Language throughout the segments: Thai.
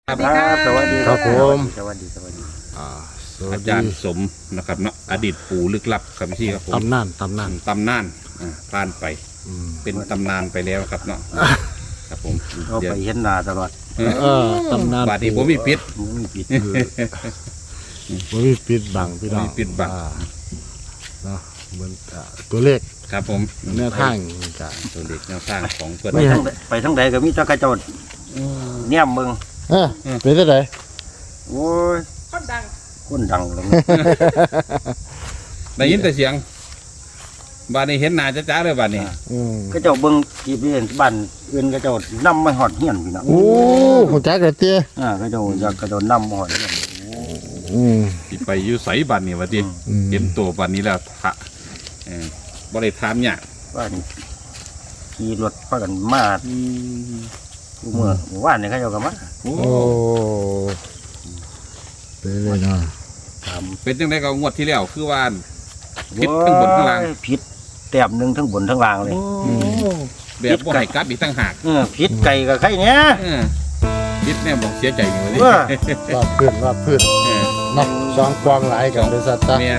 ครับสวัสดีครับผมสวัสดีอ่าสวัอาสจารดีย์สมนะครับเนาะอดีตปู่ลึกลับครับพี่ครับผมตำนานตำนานตำนานผ่านไปอืมเป็นตำนานไปแล้วครับเนาะครับผมเราเดี๋ยวไปเห็นหน้าตลอดตำนานบาดนี้ผมมีพิษไม่มีผิดผมมีปิดบังพี่น้องมีปิดบังเนาะเหมือนตัวเลขครับผมแนวทางกะตัวเด็กแนวสร้างของเพื่อนไม่ไปทั้งใดก็มีแตะกระโจนเนี่ยมึงเป็นที่ไหนโอ้ยคนดังเลยได้ยินแต่เสียงบาดนี้เห็นหน้าจ้าๆเลยบาดนี้กระโจนเบิ่งกี่ปีเห็นบ้านอื่นกระโจนนำมาหอดเฮียนพี่น้องโอ้หัวจักเลยเตี้ยกระโจนจะกระโจนนำมาหอดเฮียนที่ไปอยู่ใสบาดนี้วะทีเห็นตัวบาดนี้แล้วทะบริถามเนี่ยากว่านี่ขี่รถพากันมาเมื่อวานนี่เขาเจ้าก็มาโอ้โอ้เป็นเลยเนาะถามเป็นจังไดก็งวดที่แล้วคือว่า ผิดทั้งบนทั้งล่างโอ้ยผิดแต้มหนึงทั้งบนทั้งล่างเลยแบบบ่ให้กลับอีกตั้งหากผิดไก่กับไข่เนี้ยพิษเนี่ยบอกเสียใจอยู่เลยเออว่าพืชเนาะสองกวางหลายกันบริษัทจ้ะแมน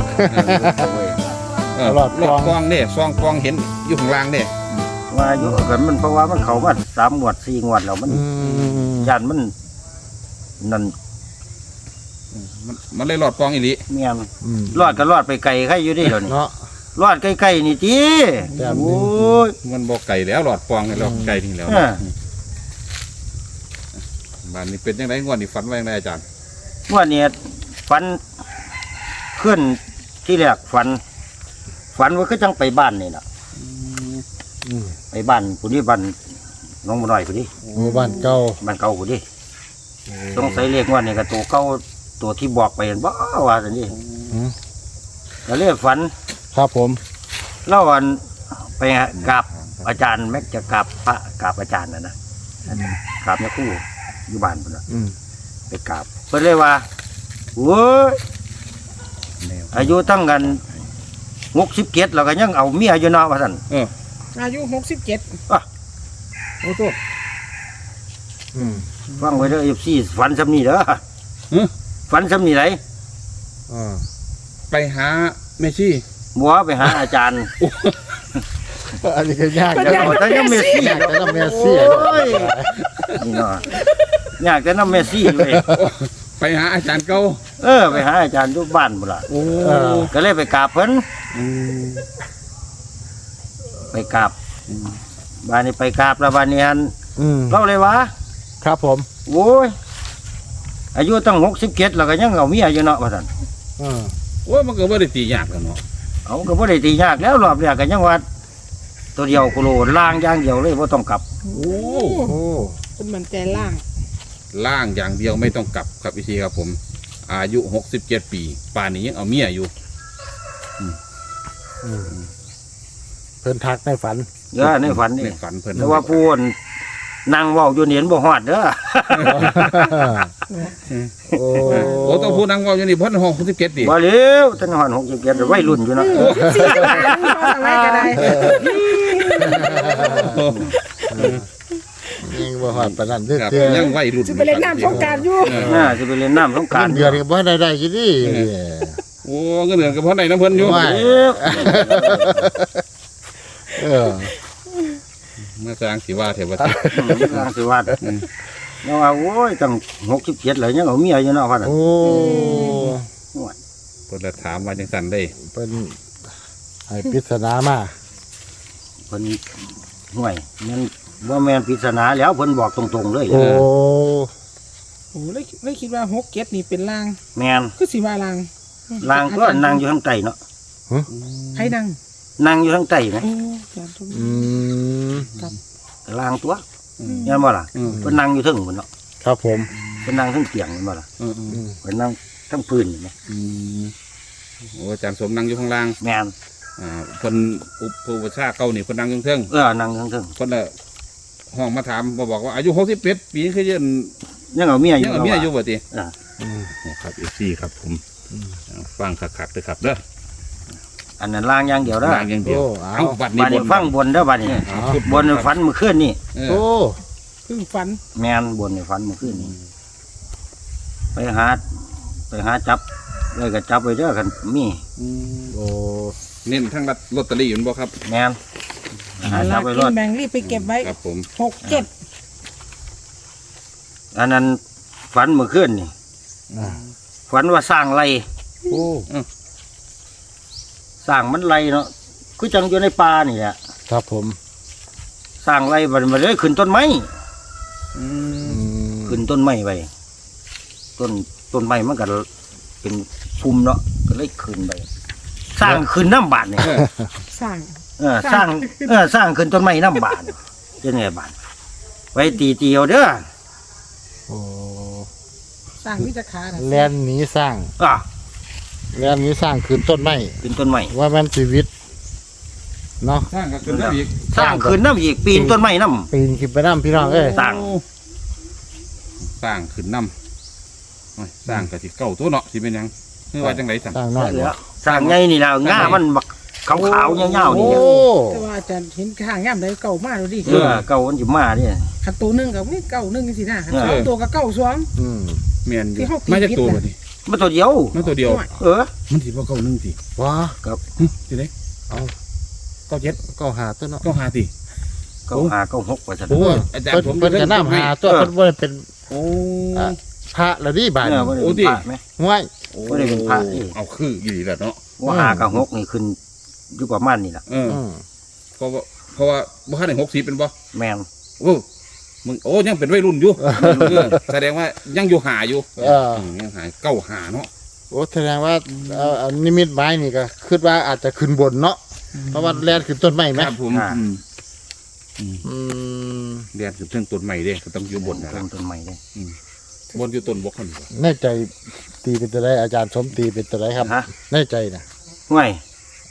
รอดกล้องกล้องเนี่ยซองกล้องเห็นอยู่ข้างล่างเนี่ยว่าอยู่กันมันเพราะว่ามันเข้ามา3 งวด 4 งวดแล้วมัน ยันมันนั่นมันเลยหลอดกล้องอีหลีเมียนรอดก็รอดไปไกลใครอยู่ดิเดี๋ยวนี้เนาะรอดใกล้ๆนี่จีแต้มหนึ่งโอ้ยมันบอกไก่แล้วหลอดกล้องเนี่ยหลอดไก่ทิ้งแล้วอ่าบ้านนี้เป็นยังไงงวดนี้ฝันว่ายังไงอาจารย์ว่าเนี่ยฝันขึ้นที่แรกฝันว่าก็จังไปบ้านนี่นะไปบ้านผู้นี้บ้านน้องบัวน้อยผู้นี้หมู่บ้านเก่าบ้านเก่าผู้นี้ต้องใส่เลขว่านี่ก็ตัวเก่าตัวที่บอกไปเห็นบ่ว่าสันนี่ก็เลยฝันครับผมเล่าวันไปกราบอาจารย์แม็กจะกราบพระกราบอาจารย์นะกราบเนี่ยคู่อยู่บ้านพุ่นน่ะไปกราบเพิ่นเลยว่าโอ้ยอายุตั้งกัน67แล้วก็ยังเอาเมียอยู่เนาะว่าซั่นอายุ67 อ่ะโอ้โหฟังไว้เด้อ14ฝันซำนี้เด้อฝันซำนี้ไหนไปหาเมชี่บัวไปหาอาจารย์อันนี้ก็ยากแต่เอาแต่ยังเมสซี่ยากแต่ละเมสซี่โอ้ยนี่เนาะอยากแต่นำเมสซี่เลยไปหาอาจารย์เก่าไปหาอาจารย์อยู่บ้านพุ่นล่ะโอ้ก็เลยไปกราบเพิ่นไปกราบบ้านนี้ไปกราบแล้วบ้านนี้ฮันเล่าเลยวะครับผมโอ้ยอายุตั้ง67แล้วก็ยังเอาเมียอยู่เนาะว่าซั่นโอ้มันก็บ่ได้ตียากกันเนาะเอาก็บ่ได้ตียากแล้วรอบแรกก็ยังว่าตัวเดียวโคโลล่างอย่างเดียวเลยบ่ต้องกลับโอ้คุณมันใจล่างล่างอย่างเดียวไม่ต้องกลับครับพี่ชีครับผม อายุ67 ปีป่านนี้ยังเอาเมียอยู่เพิ่นทักในฝันเด้อในฝันนี่ในฝันเพิ่นแต่ว่าผู้นั่งเว้าอยู่นี่เห็นบ่ฮอดเด้อโอ้โอ้ต้องพูดนังเว่าอยู่นี่เพิ่น67ดิบ่เร็วตั้งฮอด67วัยรุ่นอยู่เนาะสี่บาทพอสมัยก็ได้ยังบ่ฮอดปานนั้นเด้อครับเตี้ยยังวัยรุ่นจะไปเล่นน้ำสงกรารอยู่น่าสิไปเล่นน้ำสงกรานต์เดือนก็บ่ได้กินดิโอ้เงินเดือนกับพ่อไหนน้ำเพิ่นอยู่ว่าเร็วเออมาสร้างสิว่าเถอะว่าล่างสิว่าเนาะว่าโอ้ยตั้ง67แล้วยังเอาเมียอยู่เนาะว่าซั่นโอ้เพิ่นละถามว่าจังซั่นได้เป็นให้ปริศนามาเพิ่นห่วยมันบ่แม่นปริศนาแล้วเพิ่นบอกตรงๆเลยโอ้โอ้เลยคิดว่า67นี่เป็นล่างแม่นคือสิว่าล่างลางก็นั่งอยู่ข้างใต้เนาะให้นั่งนั่งอยู่ข้างใต้ไหมโอ้อาจารย์ทุกลางตัวเห็นบ่ล่ะเพิ่นนั่งอยู่เทึงพุ่นเนาะครับผมเพิ่นนั่งเทึงเตียงเห็นบ่ล่ะเพิ่นนั่งทั้งพื้นเห็นไหมโอ้อาจารย์สมนั่งอยู่ข้างล่างแม่นเพิ่นอุปชาเก่านี่เพิ่นนั่งอยู่เทิงนั่งทั้งเทึงเพิ่นละห้องมาถามมาบอกว่าอายุ61ปีคือยังยังเอาเมียอยู่ยังเอาเมียอยู่บ่ติอ่าครับ FC ครับผมฟังคักๆเด้อครับเด้ออันนั้นลางอย่างเดียวเด้อล่างอย่างเดียวโอ้เอาเอาบัดนี้บัดนี้ฟังบนเด้อบัดนี้เอาบนฝันเมื่อคืนนี่เออโอ้พึ่งฝันแม่นบนในฝันเมื่อคืนนี้ไปหาจับเลยก็จับไปเด้อกันมีโอ้เน้นทั้งลอตเตอรี่อยู่บ่ครับแม่นหาเอาจัละบไปรกิถนแบ่งรีบไปเก็บไว้ครับผม 67 อันนั้นฝันเมื่อคืนนี่อ่าฝันว่าสร้างไรโอ้สร้างมันไรเนาะคือจังอยู่ในป่านี่แหละครับผมสร้างไรมันมาเลยขึ้นต้นไม้อืมขึ้นต้นไม้ไปต้นไม้มันก็เป็นภูมิเนาะก็เลยขึ้นไปสร้างขึ้นน้ำบาดเนี่ยสร้างสร้างสร้างขึ้นต้นไม้น้ำบาดจะไงบาดไว้ตีเอาเด้อโอ้สร้างวิจขาน่ะแลนหนีสร้างอ่ะแลนหนีสร้างคืนต้นไม้ขึ้นต้นไม้ว่ามันชีวิตเนาะสร้างก็ขึ้นได้อีกสร้างขึ้นน้ำอีกปีนต้นไม้น้ปีนขึ้นไปน้ำพี่น้องเอ้ยสร้างสร้างขึ้นนำโอ้ยสร้างก็สิเก่าตัวเนาะสิเป็นหยังคือว่าจังไดสั่นสร้างำน้อยเหลืบ่อสร้างไงนี่แล้วง่ามันบักขาวๆเงาๆโอ้นี่แต่ว่าอาจารย์เห็นข้างย่ำได้เก่ามากเลยดิเก่ามันจะมาเนี่ยขันตัวหนึงกับนี่เก่าหนึงสินะขันเออสองตัวกับเก่าสองอืมแม่นอยู่ที่เขาตีมาจากพิษตัวน่ะบัดนี้มันตัวเดียวมาตัวเดียว มันสิบ่เก่าหนึงสิว้าสิเด้เอาเก่าเจ็ดก็หาตัวเนาะเก่าห้าติเก่าหาเก่าหกไปซะโอ้ยอาจารย์ผมเพิ่นจะน้ำหาตัวเพิ่นบ่ได้เป็นโอ้อ่ะ พระละดิบาดเอนี้อบ่ได้โอ้เป็นดิพระไหมห้วยบ่ได้เป็นพระนี่เอาคืออยู่ดีแหละเนาะว่าหากับหกนี่ขึ้นอยู่ประมาณนี่แหละเอออืมเพราะว่าบ่ทันได้60เป็นบ่แมนโอ้มึงโอ้ยังเป็นวัยรุ่นอยู่เออแสดงว่ายังอยู่หาอยู่เออยังหาเก้าหาเนาะโอ้แสดงว่าเอานิมิตไม้นี่ก็คิดว่าอาจจะขึ้นบนเนาะเพราะว่าแลนขึ้นต้นไม้ไหมครับผมอืมเรียนถึงเรื่องต้นใหม่เด้ก็ต้องอยู่บนนะคต้รับนต้นใหม่เลยบนอยู่ต้นบกคนบ่แน่ใจตีเป็นตัวไรอาจารย์สมตีเป็นตัวไรครับฮะแน่ใจนะห่วย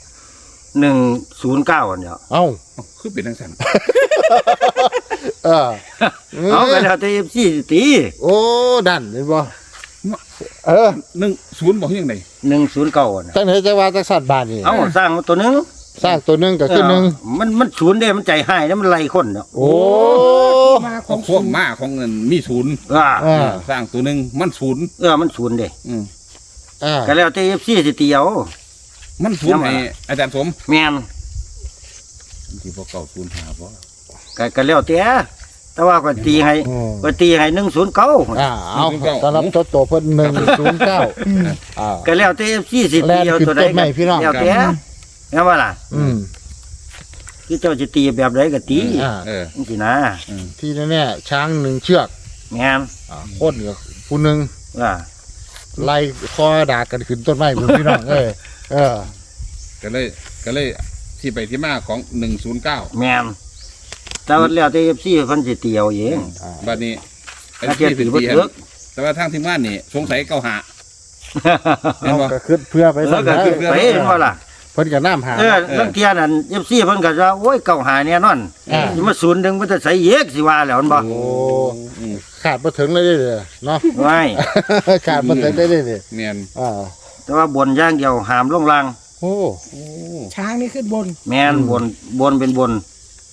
109อันเดียวเอ้าเอ้าคือเป็นจังซั่นเออเอากันแล้วแต่FC ตีโอ้ดันเห็นบ่เออ 10บ่คือจังได๋ 109อันน่ะตั้งไหนจะว่าจักสัตว์บาทนี่เอาสร้างมาตัวหนึงสร้างตัวหนึงก็คือหนึ่งมันศูนย์เด้มันใจหายแล้วมันไล่คนเนาะโอ้มาขขออง งพวกมาของเงินมีศูนย์อ่าอ่าสร้างตัวหนึงมันศูนย์มันศูนย์เด้อืมอ่าก็แล้วแต่ FC สิตีเอามันศูนย์ให้อาจารย์สมแม่นสิบ่เก่าศูนย์หาบ่ก็แล้วแต่ว่าก็ตีให้อืมก็ตีให้109 อ่าเอาสำหรับตัวโตเพิ่น109อ่าก็แล้วแต่ FC สิตีเอาตัวใดแล่นขึ้นต้นไม้พี่น้องแล้วแต่แม่นว่าล่ะอืมคือเจ้าสิตีแบบใดก็ตีอ่าเออจังซี่นะที่แน่ๆช้างหนึ่งเชือกแม่นคนกับผู้หนึ่งว่าไล่คอด่ากันขึ้นต้นไม้พุ่นพี่น้องเอ้ยเออก็เลยที่ไปที่มาของ109 แม่นแต่ว่าแล้วแต่ FC เพิ่นสิตีเอาเองบัดนี้ไอ้ถ้าเทียบที่ถืถึอง ว่าที่เลิกแต่ว่าทางทีมงานนี่สงสัยเก้าหา เห็นเอาบ่ก็ขึ้นเพื่อไปแล้วก็คือไปเห็นว่าล่ะเพิ่นกับน้ำหาลังเทียนั่น FC เพิ่นก็ว่าโอ้ยเก่าหาแน่นอนอ่าสิมาศูนย์หนึงมันจะใส่เยกสิว่าแล้วมันบ่โอ้ขาดมาถึงเลยเด้อเนาะไว้ขาดมาถึงได้เลยเมียนอ่าแต่ว่าบนอย่างเดียวห้ามลงล่างโอ้ช้างนี่ขึ้นบนแม่นบนเป็นบน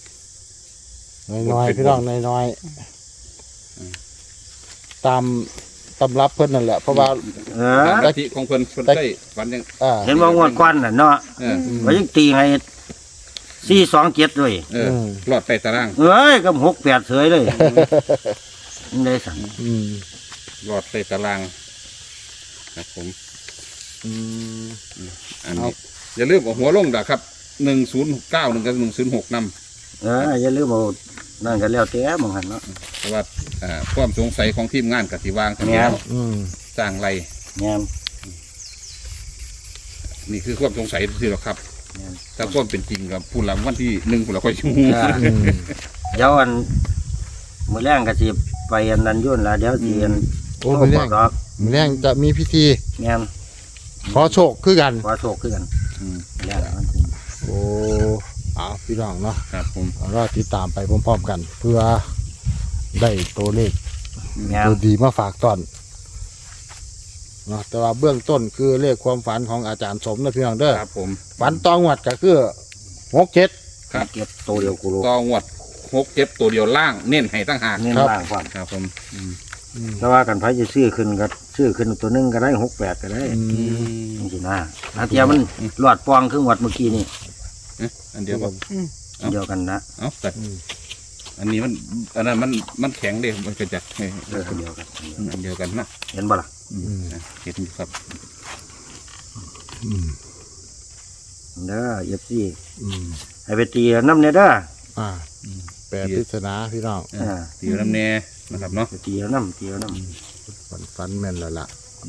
น้อยๆพี่น้องน้อยๆตามตำรับเพิ่นนั่นแหละเพราะว่าเอตามอลัทธิของเพิ่นได้ฝันยังอ่าเห็นว่างวดควันน่ะเนาะเออว่ายังตีให้427ด้วยเออรอดใต้ตารางเอ้ยกับ68เสยเลยยังได้สั่งอืมรอดใต้ตารางครับผมอืมอันนี้อย่าลืมเอาหัวลงนะครับ1091กับ106นำอย่าลืมเอานั่นก็แล้วแต่หมองหันเนาะเพราะว่าความสงสัยของทีมงานกับที่วางทั้งแม่นแล้วอืมสร้างไรแม่นนี่คือความสงสัยที่เราครับแม่นถ้าความเป็นจริงกับผู้หลังวันที่1ผู้หลังค่อยชูอ่าอืมเดี๋ยวมื้อแรงก็สิไปอันนั้นยุ่นล่ะเดี๋ยวสิอันโอ้มื้อแรงดอกมื้อแรงจะมีพิธีแม่นขอโชคคือกันขอโชคคือกันอืมแรงมันถึงโอ้เอาพี่น้องเนาะครับผมรอติดตามไปพร้อมๆกัน เพื่อได้ตัวเลขแม่นตัวดีมาฝากตอนเนาะแต่ว่าเบื้องต้นคือเลขความฝันของอาจารย์สมนะพี่น้องเด้อครับผมฝันตองวัดก็คือ67 ครับเก็บตัวเดียวกูรู้ต่องวดโค 6 7ตัวเดียวล่างเน้นให้ตั้งหากเน้นล่างความครับผมแต่ว่ากันไผจะซื้อขึ้นก็ซื้อขึ้นตัวหนึงก็ได้68ก็ได้ จังซี่นะอาเทียมันหลอดปองครึ่งวัดเมื่อกี้นี่อันเดียวบ่เดียวกันนะเอ้าแต่อันนี้อันนั้นมันแข็งเด้มันก็จะเอออันเดียวกันอันเดียวกันนะเห็นบ่ล่ะเห็นอยู่ครับเด้อFC อืมให้ไปตีน้ำเนี่ยเด้อแปลปริศนาพี่น้องตีน้ำแน่นะครับเนาะไปตีน้ำตีน้ำฝันแม่นแล้วล่ะ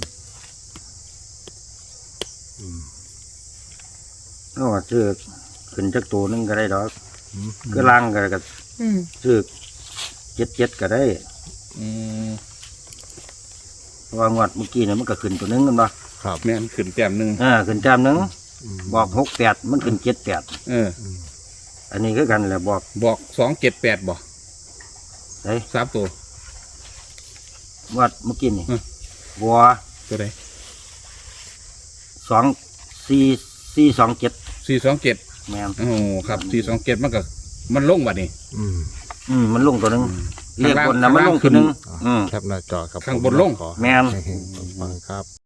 เอาว่าซื้อขึ้นจักตัวหนึงก็ได้ดอกอืมคือล่างก็อืมซื้อ77ก็ได้อืมเพราะว่างวดเมื่อกี้เนี่ยมันก็ขึ้นตัวหนึงกันบ่ครับแม่นขึ้นแต้มหนึ่งขึ้นแต้มหนึงบอก68มันขึ้น78 เอออันนี้คือกันแหละบอกบอก278บ่ไอ้ 3ตัวงวดเมื่อกี้นี่อืมบัวตัวใด 24427 427 แม่นโอ้ครับ427มันลงบัดนี้มันลงตัวหนึงเรียกข้างล่างบนนะมันลงตัวหนึงแคปหน้าจอครับข้างบนลงขอแม่นให้เฮงๆปังๆครับ